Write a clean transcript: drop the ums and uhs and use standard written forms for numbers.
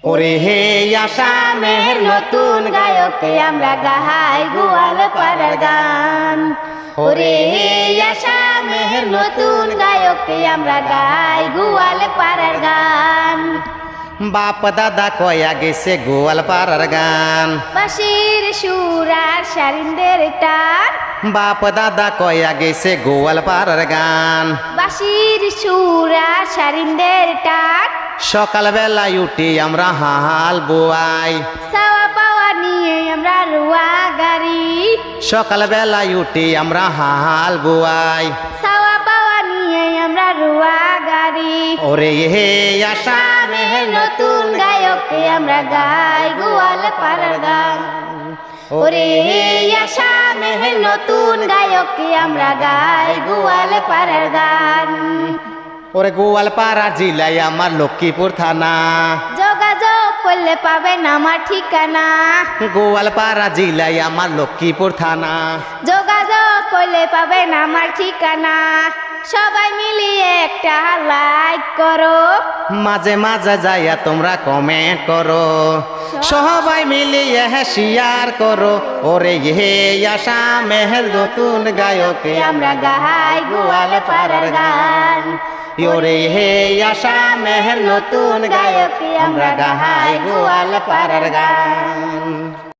ওরে হে আসামের নতুন গায়কে আমরা গাই গোয়াল পাড়ার গান। ওরে হে আসামের নতুন গায়কে আমরা গাই গোয়াল পাড়ার গান। বাপ দাদা কয়া গেছে গোয়াল পাড়ার গান। বাঁশির সুর আর সারিন্দের টান। বাপ দাদা কয়া গেছে গোয়াল পাড়ার গান। বাঁশির সুর আর সারিন্দের টান। সকাল বেলায় উঠি আমরা হাল বোয়াই। চাওয়া পাওয়া নিয়ে আমরা রুয়া গাড়ি। সকাল বেলায় উঠি আমরা হাল বোয়াই। চাওয়া পাওয়া নিয়ে আমরা রুয়া গাড়ি। ওরে হে আসামের নতুন গায়কে আমরা গাই গোয়াল পাড়ার গান। ওরে হে আসামের নতুন গায়কে আমরা গাই গোয়াল পাড়ার গান। ওরে গোয়ালপাড়া জেলায় আমার লক্ষ্মীপুর থানা। যোগাযোগ করলে পাবেন আমার ঠিকানা। গোয়ালপাড়া জেলায় আমার লক্ষ্মীপুর থানা। যোগাযোগ করলে পাবেন আমার ঠিকানা। সবাই মিলিয়ে একটা লাইক করো। মাঝে মাঝে যাইয়া তোমরা কমেন্ট করো। সবাই মিলিয়ে শেয়ার করো। ওরে হে আসামের নতুন গায়কে আমরা গাই গোয়ালপাড়ার গান। ওরে হে আসামের নতুন গায়কে আমরা গাই গোয়ালপাড়ার গান।